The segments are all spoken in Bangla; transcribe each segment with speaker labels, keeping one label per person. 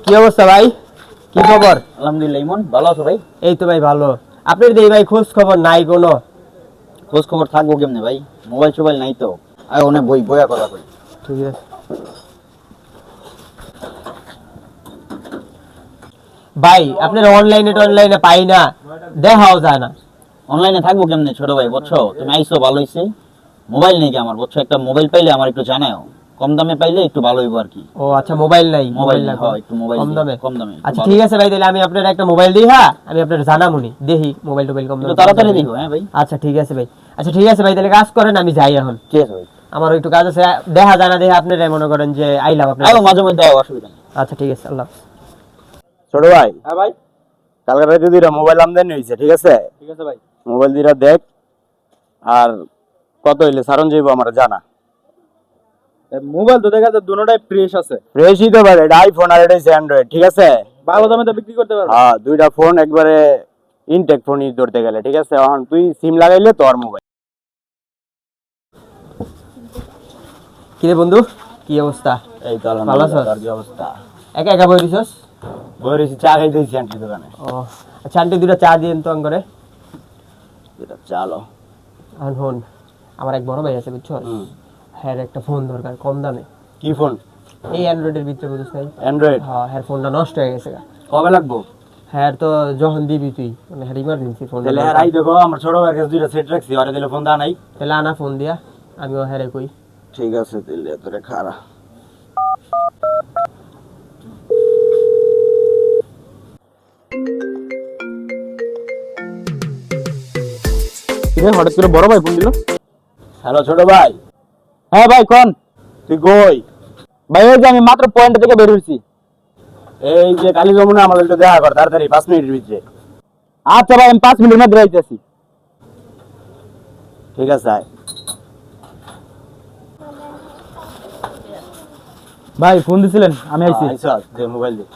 Speaker 1: কি অবস্থা ভাই? কি খবর?
Speaker 2: আলহামদুলিল্লাহ। ইমন ভালো আছো ভাই?
Speaker 1: এই তো ভাই ভালো। আপনার দেই ভাই খোঁজ খবর নাই কোনো?
Speaker 2: খোঁজ খবর থাকবো কেমনে ভাই, মোবাইল টোবাইল নাই তো। আর অনেক বইয়া কথা কই।
Speaker 1: ঠিক আছে ভাই, আপনার অনলাইনে পাই না, দেখাও যায় না।
Speaker 2: অনলাইনে থাকবো কেমনে ছোট ভাই, বুঝছো? তুমি আইছো ভালো হইছে। মোবাইল নেই কি আমার, বুঝছো? একটা মোবাইল পাইলে আমার একটু জানাও, কম দামে পাইলে একটু ভালো হইব আর কি।
Speaker 1: ও আচ্ছা, মোবাইল নাই?
Speaker 2: মোবাইল
Speaker 1: না,
Speaker 2: হয় একটু মোবাইল
Speaker 1: কম দামে?
Speaker 2: কম দামে
Speaker 1: আচ্ছা ঠিক আছে ভাই, তাহলে আমি আপনার একটা মোবাইল দিই। হ্যাঁ, আমি আপনার জানামুনি দেখি মোবাইল টোবাইল কম দামে।
Speaker 2: তাড়াতাড়ি দিও হ্যাঁ ভাই।
Speaker 1: আচ্ছা ঠিক আছে ভাই। আচ্ছা ঠিক আছে ভাই, তাহলে কাজ করেন, আমি যাই এখন।
Speaker 2: ঠিক আছে ভাই,
Speaker 1: আমার একটু কাজ আছে, দেখা জানা দেখে আপনারা মনে করেন যে আইলাম আপনার।
Speaker 2: আইও মাঝে মধ্যে আইও, অসুবিধা নেই।
Speaker 1: আচ্ছা ঠিক আছে, আল্লাহ হাফেজ।
Speaker 3: ছোট ভাই,
Speaker 2: হ্যাঁ ভাই।
Speaker 3: কালকে রাতে দুইটা মোবাইল আমদানি হয়েছে, ঠিক আছে?
Speaker 2: ঠিক আছে ভাই।
Speaker 3: মোবাইল দুইটা দেখ, আর কত হইলে সারন যাইব আমার জানা।
Speaker 4: মোবাইল তো দেখা যায় দুটোটাই ফ্রেশ আছে,
Speaker 3: ফ্রেশই তো ভাই, এটা আইফোন আর এটা হচ্ছে অ্যান্ড্রয়েড, ঠিক আছে?
Speaker 4: ভালো দামে তো বিক্রি করতে পারবে।
Speaker 3: হ্যাঁ, দুইটা ফোন একবারে ইনটেক ফোন ইউজ ধরতে গেলে, ঠিক আছে? এখন তুই সিম লাগাইলে তোর মোবাইল।
Speaker 1: কি রে বন্ধু, কি অবস্থা?
Speaker 2: এই তো
Speaker 1: ভালো আছো?
Speaker 2: আলহামদুলিল্লাহ। তোর কি অবস্থা?
Speaker 1: একা একা বই দিছস?
Speaker 2: বই রয়েছে, চা খাইতেছি আন্টির দোকানে।
Speaker 1: ও আচ্ছা, আন্টি দুটা চা দিন তো করে।
Speaker 2: এটা চালো।
Speaker 1: এখন ফোন, আমার এক বড় ভাই আছে বুঝছো, হ্যাঁ একটা ফোন দরকার কম দামে।
Speaker 2: কি ফোন?
Speaker 1: এই অ্যান্ড্রয়েডের ভিতরে বুঝছ নাই?
Speaker 3: অ্যান্ড্রয়েড
Speaker 1: হ্যাঁ, হ্যাঁ ফোনটা নষ্ট হয়ে গেছে গা।
Speaker 2: কবে লাগবো?
Speaker 1: হ্যাঁ তো যখন দিবি তুই, মানে হ্যাঁ ইমার্জেন্সি ফোন।
Speaker 2: তাহলে আর আই দেখো, আমার ছোট ভাইয়ের কাছে দুইটা সেট রাখছি, ওরে দিলে ফোন দা নাই।
Speaker 1: তাহলে আনা ফোন দিয়া, আমিও হ্যাঁ কই।
Speaker 2: ঠিক আছে, তাহলে তোরে খারা।
Speaker 3: হঠাৎ করে বড় ভাই ফোন দিল।
Speaker 2: হ্যালো ছোট ভাই।
Speaker 3: হ্যাঁ ভাই, কোন? তুই কই? ভাই ওই যে আমি মাত্র পয়েন্ট থেকে বের হইছি।
Speaker 2: এই যে কালী যমুনা, আমার একটু দেখা কর তাড়াতাড়ি, 5 মিনিটের ভিতরে।
Speaker 3: আচ্ছা ভাই, আমি 5 মিনিটের মধ্যে আইতেছি।
Speaker 2: ঠিক আছে আয়।
Speaker 3: ভাই ফোন দিছিলেন, আমি আইছি।
Speaker 2: আইসা দে মোবাইল দে।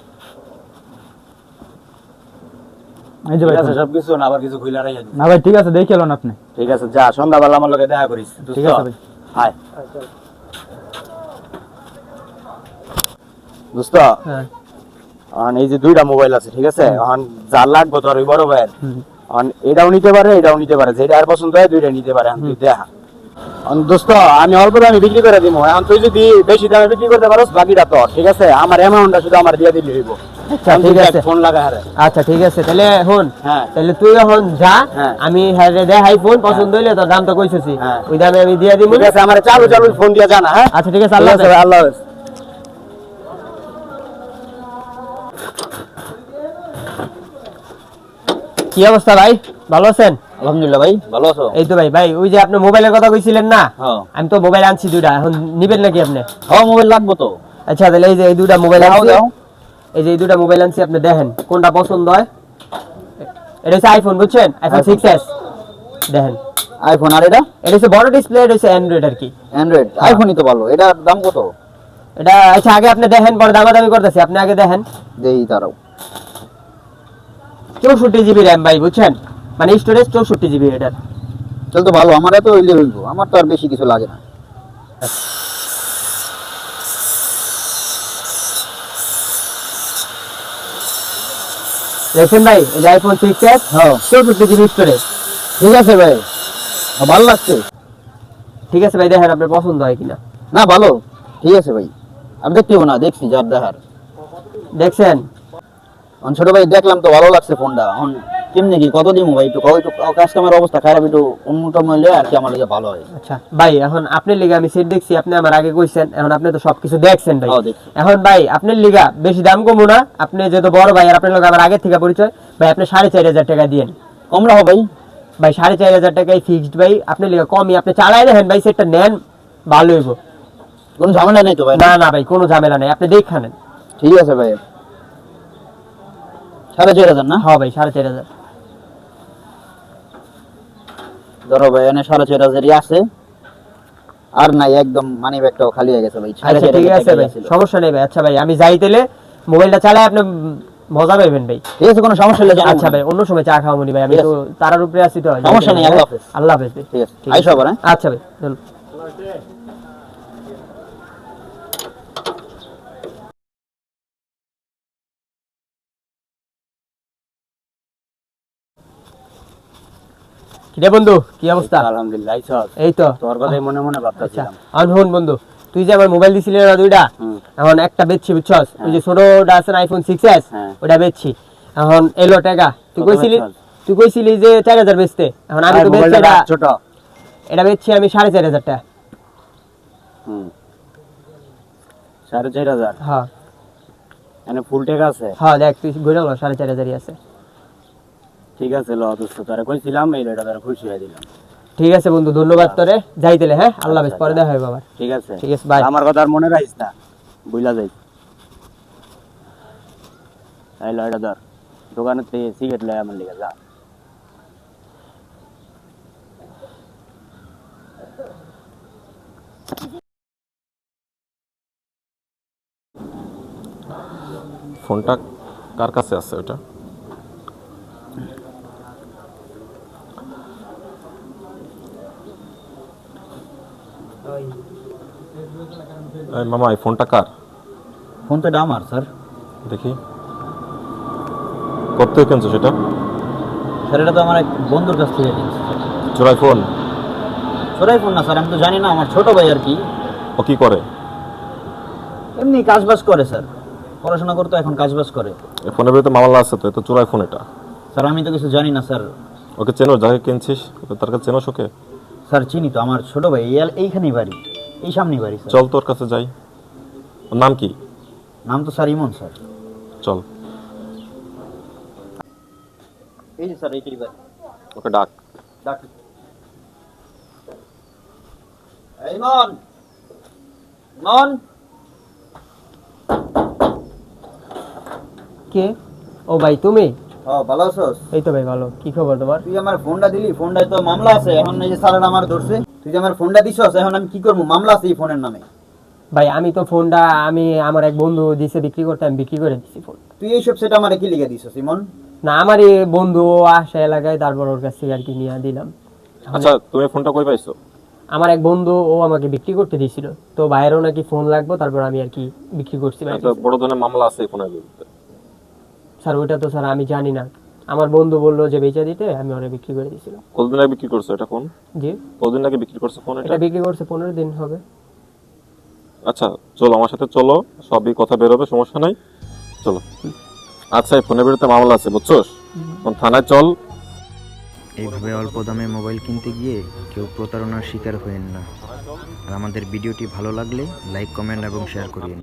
Speaker 3: এই যে
Speaker 2: ঠিক
Speaker 3: ভাই
Speaker 2: আছে
Speaker 3: ফোন।
Speaker 2: সবকিছু, না আবার কিছু খুইলা রাইয়া দিস।
Speaker 3: না ভাই ঠিক আছে, দেখে এলেন আপনি।
Speaker 2: ঠিক আছে, যা সন্ধ্যাবেলা আমার লগে দেখা করিস।
Speaker 3: ঠিক আছে ভাই।
Speaker 2: আয় দোস্ত।
Speaker 1: হ্যাঁ
Speaker 3: এখন এই যে দুইটা মোবাইল আছে, ঠিক আছে? এখন যার লাগবে তোর ওই বড় ভাইয়ের, এখন এটাও নিতে পারে এটাও নিতে পারে, যেটা আর পছন্দ হয় দুইটা নিতে পারে। এখন তুই দেখা। এখন দোস্ত, আমি অল্প দামে বিক্রি করে দিব। এখন তুই যদি বেশি দামে বিক্রি করতে পারোস, বাকিটা তোর, ঠিক আছে? আমার অ্যামাউন্টটা শুধু আমার দিয়ে দিলে হইব।
Speaker 1: আচ্ছা ঠিক আছে।
Speaker 3: ফোন লাগা হারে।
Speaker 1: আচ্ছা ঠিক আছে, তাহলে হন।
Speaker 3: হ্যাঁ।
Speaker 1: তাহলে তুই এখন যা,
Speaker 3: হ্যাঁ।
Speaker 1: আমি হ্যাঁ দেখাই ফোন, পছন্দ হইলে তোর দাম তো কইছছি,
Speaker 3: হ্যাঁ।
Speaker 1: ওই দামে আমি দিয়ে দিব।
Speaker 3: ঠিক আছে, আমার চালু চালু ফোন দিয়ে জানা। হ্যাঁ
Speaker 1: আচ্ছা ঠিক আছে,
Speaker 3: ঠিক
Speaker 1: আল্লাহ
Speaker 3: আছে
Speaker 1: হাফেজ।
Speaker 3: ভাই, আল্লাহ হাফেজ।
Speaker 1: কি অবস্থা ভাই, ভালো আছেন?
Speaker 2: আলহামদুলিল্লাহ ভাই, ভালো আছো?
Speaker 1: এই তো ভাই, ভাই ওই যে আপনি মোবাইলের কথা কইছিলেন না,
Speaker 2: হ্যাঁ।
Speaker 1: আমি তো মোবাইল আনছি দুইটা, এখন নিবেন নাকি আপনি?
Speaker 2: হ্যাঁ, মোবাইল লাগবো তো।
Speaker 1: আচ্ছা তাহলে এই যে এই দুইটা মোবাইল
Speaker 2: দাও,
Speaker 1: আনছি,
Speaker 2: দাও।
Speaker 1: এই যে এই দুইটা মোবাইল আনছি, আপনি দেখেন কোনটা পছন্দ হয়। এটা হচ্ছে আইফোন, বুঝছেন? আইফোন 6s দেখেন।
Speaker 2: আইফোন, আর এটা
Speaker 1: এটা হচ্ছে বড় ডিসপ্লে, এটা হচ্ছে অ্যান্ড্রয়েড আর কি।
Speaker 2: অ্যান্ড্রয়েড। আইফোনই তো ভালো। এটার দাম কত?
Speaker 1: এটা আচ্ছা আগে আপনি দেখেন, পরে দামাদামি করতেছি, আপনি আগে দেখেন।
Speaker 2: দেই দাঁড়াও।
Speaker 1: 64 GB র্যাম ভাই, বুঝছেন? মানে স্টোরেজ 64 GB এটার।
Speaker 2: চল তো ভালো, আমার এত হইলে হইব, আমার তো আর বেশি কিছু লাগে না।
Speaker 1: দেখছেন ভাই, এই যে আইফোন 6s,
Speaker 2: হ্যাঁ
Speaker 1: 64 GB স্টোরেজ।
Speaker 2: ঠিক আছে ভাই, ভালো লাগছে।
Speaker 1: ঠিক আছে ভাই, দেখেন আপনার পছন্দ হয় কিনা।
Speaker 2: না ভালো, ঠিক আছে ভাই। আমি দেখতেও না, দেখছি যার দেখার।
Speaker 1: দেখছেন?
Speaker 2: এখন ছোট ভাই দেখলাম তো ভালো লাগছে ফোনটা। এখন কেমনে কি কত দিমু ভাই, একটু কয়, একটু কাস্টমার অবস্থা খারাপ, একটু উন্নত মূল্যে আর কি আমার লিগে ভালো হয়।
Speaker 1: আচ্ছা ভাই, এখন আপনার লিগা আমি সেট দেখছি, আপনি আমার আগে কইছেন, এখন আপনি তো সবকিছু দেখছেন ভাই।
Speaker 2: হ্যাঁ, দেখছি।
Speaker 1: এখন ভাই আপনার লিগা বেশি দাম কমু না, আপনি যেহেতু বড় ভাই আর আপনার লোক আমার আগে থেকে পরিচয়, ভাই আপনি 4,500 টাকা দিয়েন।
Speaker 2: কম রাখো ভাই।
Speaker 1: ভাই 4,500 টাকায় ফিক্সড ভাই, আপনার লিগা কমই, আপনি চালাই দেখেন ভাই, সেটটা নেন ভালো হইব।
Speaker 2: কোনো ঝামেলা নেই তো ভাই?
Speaker 1: না না ভাই, কোনো ঝামেলা নাই, আপনি দেখে নেন।
Speaker 2: ঠিক আছে ভাই। 4,500 না?
Speaker 1: হ্যাঁ ভাই 4,500।
Speaker 2: ধরো ভাই, এনে 4,500 আছে। আর নাই, একদম মানি ব্যাগটাও খালি হয়ে গেছে ভাই।
Speaker 1: আচ্ছা ঠিক আছে ভাই, সমস্যা নেই ভাই। আচ্ছা ভাই, আমি যাই তাহলে, মোবাইলটা চালাই আপনি মজা পাইবেন ভাই।
Speaker 2: ঠিক আছে, কোনো সমস্যা নেই।
Speaker 1: আচ্ছা ভাই, অন্য সময় চা খাওয়া মনি ভাই, আমি
Speaker 2: ঠিক
Speaker 1: তো তারার উপরে আছি তো।
Speaker 2: সমস্যা নেই, আল্লাহ হাফেজ।
Speaker 1: আল্লাহ হাফেজ ভাই।
Speaker 2: ঠিক আছে, আইসো আবার। হ্যাঁ
Speaker 1: আচ্ছা ভাই, চলো। কিরে বন্ধু কি অবস্থা?
Speaker 3: আলহামদুলিল্লাহ আইছস?
Speaker 1: এই তো।
Speaker 3: তোর কথাই মনে মনে
Speaker 1: আচ্ছা
Speaker 3: ভাবতাছিলাম।
Speaker 1: আর হন বন্ধু, তুই যে আমার মোবাইল দিছিলি না দুইটা, এখন একটা বেচছি বুঝছস, ওই যে ছোটটা আছে না আইফোন 6s,
Speaker 3: হ্যাঁ।
Speaker 1: ওটা বেচছি। এখন এলো টাকা, তুই
Speaker 3: কত
Speaker 1: কইছিলি
Speaker 3: বেচছস?
Speaker 1: তুই কইছিলি যে 4000 বেচতে, এখন আমি তো বেচছি
Speaker 3: মোবাইলটা
Speaker 1: এটা,
Speaker 3: ছোট।
Speaker 1: এটা বেচছি আমি 4500 টাকা।
Speaker 3: 4500।
Speaker 1: হ্যাঁ
Speaker 3: এনে ফুল টাকা আছে?
Speaker 1: হ্যাঁ দেখ তুই ঘুরে গেল 4500 আছে।
Speaker 3: ঠিক আছে ল দোস্ত, তোরে কইছিলাম এই লটা তোরে খুশি হয়ে দিলাম।
Speaker 1: ঠিক আছে বন্ধু, ধন্যবাদ তোরে, যাইতেলে। হ্যাঁ আল্লাহ হাফেজ, পরে দেখা হবে আবার।
Speaker 3: ঠিক আছে
Speaker 1: ঠিক আছে, bye.
Speaker 3: আমার কথা আর মনে রাখিস না, বুঝলা যাই। এই লয়টা ধর, দোকানে থেকে সিগারেট লয় আমার লিগে যা।
Speaker 5: ফোনটা কার কাছে আছে ওটা? এই মামা, এই ফোনটা কার?
Speaker 2: ফোন তো এটা আমার স্যার।
Speaker 5: দেখি কত কিনছো সেটা?
Speaker 2: স্যার এটা তো আমার এক বন্ধুর কাছ থেকে কিনছি।
Speaker 5: চোরাই ফোন?
Speaker 2: ছোটাই ফোন না স্যার, আমি তো জানি না, আমার ছোট ভাই আর কি,
Speaker 5: ও কি করে?
Speaker 2: এমনি কাজবাজ করে স্যার, পড়াশোনা করতো, এখন কাজবাজ করে।
Speaker 5: এই ফোনের ভিতরে মামলা আছে তো, এ তো চোরাই ফোন এটা।
Speaker 2: স্যার আমি তো কিছু জানি না স্যার।
Speaker 5: ওকে চেনো? যাকে কিনছিস তার কাছে চেনোস ওকে?
Speaker 2: স্যার চিনি তো, আমার ছোট ভাই, এইখানেই বাড়ি, এই সামনেই বাড়ি স্যার।
Speaker 5: চল তোর কাছে যাই। ওর নাম কি?
Speaker 2: নাম তো স্যার ইমন স্যার।
Speaker 5: চল
Speaker 2: এই যে স্যার এইটাই বাড়ি।
Speaker 5: ওকে ডাক।
Speaker 2: ডাক। ইমন, ইমন।
Speaker 1: কে? ও ভাই তুমি?
Speaker 2: ভালো আছোস?
Speaker 1: এই তো ভাই ভালো, কি খবর তোমার?
Speaker 2: তুই আমার ফোনটা দিলি, ফোনটায় তো মামলা আছে, এখন এই যে স্যারের আমার ধরছে। তুই যে আমার ফোনটা দিছস, এখন আমি কি করবো? মামলা আছে এই ফোনের নামে।
Speaker 1: ভাই আমি তো ফোনটা আমার এক বন্ধু দিছে বিক্রি করতে, আমি বিক্রি করে দিছি ফোন।
Speaker 2: তুই এইসব সেটা আমার কি লিখে দিছস ইমন?
Speaker 1: না আমার এই বন্ধু ও আসে এলাকায়, তারপর ওর কাছ থেকে আর কি নিয়ে দিলাম।
Speaker 5: আচ্ছা তুমি ফোনটা কই পাইছো?
Speaker 1: আমার এক বন্ধু ও আমাকে বিক্রি করতে দিয়েছিল, তো বাইরেও নাকি ফোন লাগবে, তারপর আমি আর কি বিক্রি করছি ভাই।
Speaker 5: একটা বড় ধরনের মামলা আছে এই ফোনের বিরুদ্ধে।
Speaker 1: স্যার ওইটা তো স্যার আমি জানি না, আমার বন্ধু বললো যে বেচা দিতে, আমি ওরা বিক্রি করে দিয়েছিলাম।
Speaker 5: কতদিন আগে বিক্রি করছো এটা ফোন?
Speaker 1: জি
Speaker 5: কতদিন আগে বিক্রি করছো ফোন এটা?
Speaker 1: এটা বিক্রি করছে 15 দিন হবে।
Speaker 5: আচ্ছা চলো আমার সাথে, চলো সবই কথা বেরোবে, সমস্যা নাই, চলো। আচ্ছা এই ফোনের বিরুদ্ধে মামলা আছে বুঝছোস, এখন থানায় চল।
Speaker 6: এইভাবে অল্প দামে মোবাইল কিনতে গিয়ে কেউ প্রতারণার শিকার হবেন না। আর আমাদের ভিডিওটি ভালো লাগলে লাইক, কমেন্ট এবং শেয়ার করিয়েন।